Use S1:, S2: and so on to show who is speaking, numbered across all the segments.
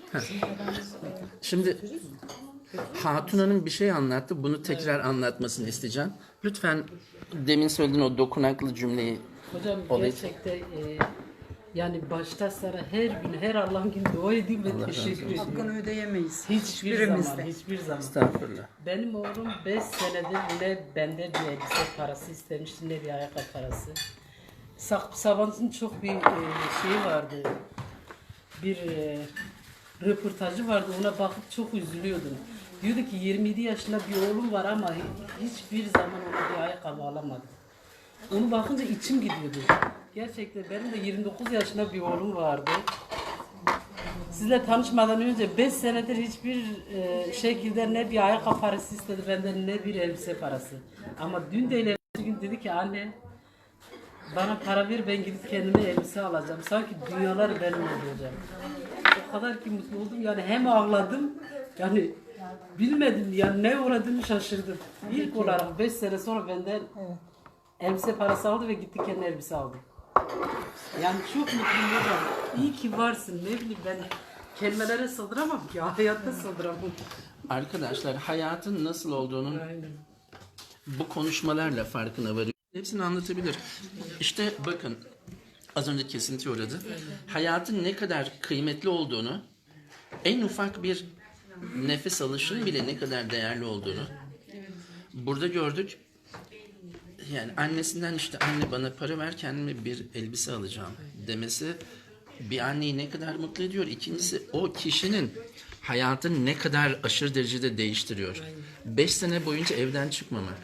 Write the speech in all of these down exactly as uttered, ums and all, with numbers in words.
S1: Şimdi Hatun Hanım bir şey anlattı. Bunu tekrar anlatmasını isteyeceğim. Lütfen demin söylediğin o dokunaklı cümleyi.
S2: Hocam
S1: olayı...
S2: gerçekten e, yani başta sana her gün, her Allah'ın günü dua edeyim ve teşekkür ediyorum.
S3: Hakkını ödeyemeyiz.
S2: Hiçbir zaman, hiçbir zaman.
S1: Estağfurullah.
S2: Benim oğlum beş senedir ne bende bir elbise parası istemişti ne bir ayakkabı parası. Sabancı'nın çok bir e, şeyi vardı. Bir e, röportajı vardı. Ona bakıp çok üzülüyordum. Diyordu ki yirmi yedi yaşında bir oğlum var ama hiçbir zaman ona bir ayakkabı alamadım. Onu bakınca içim gidiyordu. Gerçekten benim de yirmi dokuz yaşında bir oğlum vardı. Sizle tanışmadan önce beş senedir hiçbir e, şekilde ne bir ayakkabı parası istedi benden ne bir elbise parası. Ama dün de bir gün dedi ki anne bana para ver ben gidip kendime elbise alacağım. Sanki dünyalar benim olacak. O kadar ki mutlu oldum yani hem ağladım yani bilmedim yani ne uğradığımı şaşırdım. İlk olarak beş sene sonra benden elbise parası aldı ve gitti kendine elbise aldı. Yani çok mutluyum hocam. İyi ki varsın. Ne bileyim ben kelimelere sığdıramam ki. Hayatta sığdıramam.
S1: Arkadaşlar hayatın nasıl olduğunun
S2: Aynen.
S1: bu konuşmalarla farkına varıyor. Hepsini anlatabilir. İşte bakın az önce kesinti uğradı. Hayatın ne kadar kıymetli olduğunu, en ufak bir nefes alışın bile ne kadar değerli olduğunu burada gördük. Yani annesinden işte anne bana para ver kendime bir elbise alacağım demesi bir anneyi ne kadar mutlu ediyor. İkincisi o kişinin hayatını ne kadar aşırı derecede değiştiriyor. Beş sene boyunca evden çıkmamak.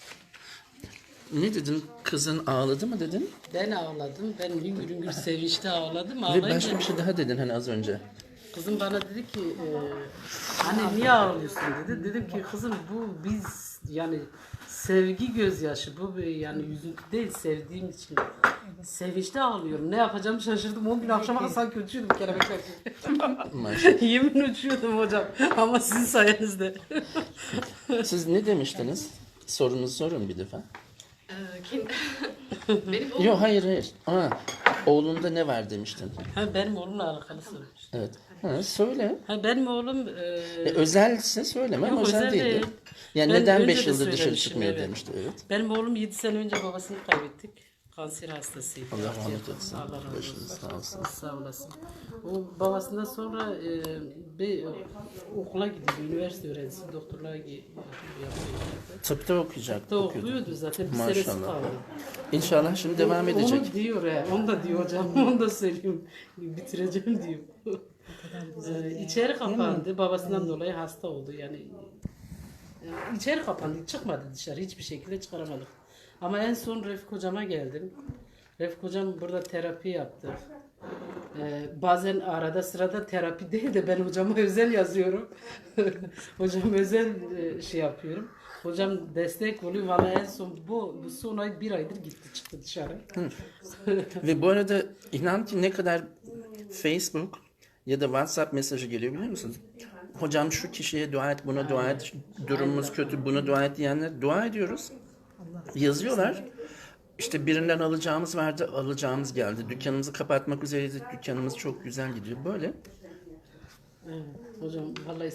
S1: Ne dedin? Kızın ağladı mı dedin?
S2: Ben ağladım. Ben hüngür hüngür sevinçte ağladım.
S1: Ve
S2: Ağlayınca
S1: başka bir şey daha dedin hani az önce.
S2: kızım bana dedi ki e, anne niye ağlıyorsun dedi. Dedim ki kızım bu biz yani sevgi gözyaşı bu bir yani üzüntü değil sevdiğim için. Sevinçte ağlıyorum. Ne yapacağımı şaşırdım. On gün akşama sanki uçuyordum kelebekler gibi.
S1: Maşallah.
S2: Yemin uçuyordum hocam. Ama sizin sayenizde.
S1: Siz ne demiştiniz? Sorunuzu sorun bir defa.
S4: Ee, kim? Benim oğlum.
S1: Yok hayır hayır. Aa, oğlunda ne var demiştin.
S2: Ha, benim oğlumla alakalı sormuş.
S1: Evet. Ha, söyle.
S2: Ha, benim oğlum e,
S1: E, özelse söyleme ama
S2: Yok,
S1: özel
S2: özel
S1: değildi.
S2: değil.
S1: Yani
S2: Ben
S1: neden
S2: önce
S1: beş
S2: de
S1: yıldır dışarı
S2: söylemişim,
S1: çıkmıyor
S2: evet.
S1: demişti. Evet.
S2: benim oğlum yedi sene önce babasını kaybettik. Kanser hastasıydı.
S1: Allah rahmet eylesin.
S2: Allah razı
S1: Başınız
S2: olsun.
S1: sağ olsun.
S2: Sağ olasın. O babasından sonra e, bir okula gidiyor. Üniversite öğrencisi. Doktorluğa gi- yapıyor.
S1: Tıpta okuyacak.
S2: Da
S1: okuyordu.
S2: okuyordu zaten. Bir
S1: Maşallah.
S2: senesi kaldı.
S1: İnşallah şimdi devam edecek.
S2: Onu diyor he. Onu da diyor hocam. Onu da söylüyorum. Bitireceğim diyor. Ee, içeri kapandı. Babasından dolayı hasta oldu. Yani e, içeri kapandı. Çıkmadı dışarı. Hiçbir şekilde çıkaramadık. Ama en son Refik hocama geldim. Refik hocam burada terapi yaptı. Ee, bazen arada sırada terapi değil de ben hocama özel yazıyorum. Hocam özel e, şey yapıyorum. Hocam destek oluyor. Valla en son bu, bu son ay bir aydır gitti çıktı dışarı.
S1: Ve bu arada inan ki ne kadar Facebook ya da WhatsApp mesajı geliyor biliyor musunuz? Hocam şu kişiye dua et, buna dua et, durumumuz kötü, buna dua et diyenler dua ediyoruz. Yazıyorlar. İşte birinden alacağımız vardı, alacağımız geldi. Dükkanımızı kapatmak üzereydik, dükkanımız çok güzel gidiyor. Böyle.
S2: Evet, hocam vallahi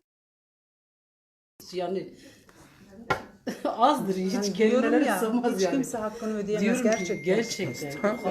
S2: yani azdır hiç
S3: Yani
S2: kelimelere
S3: diyorum ya,
S2: sığmaz
S3: hiç
S2: yani.
S3: kimse hakkını ödeyemez
S2: Diyorum ki
S3: gerçekten.
S2: gerçekten.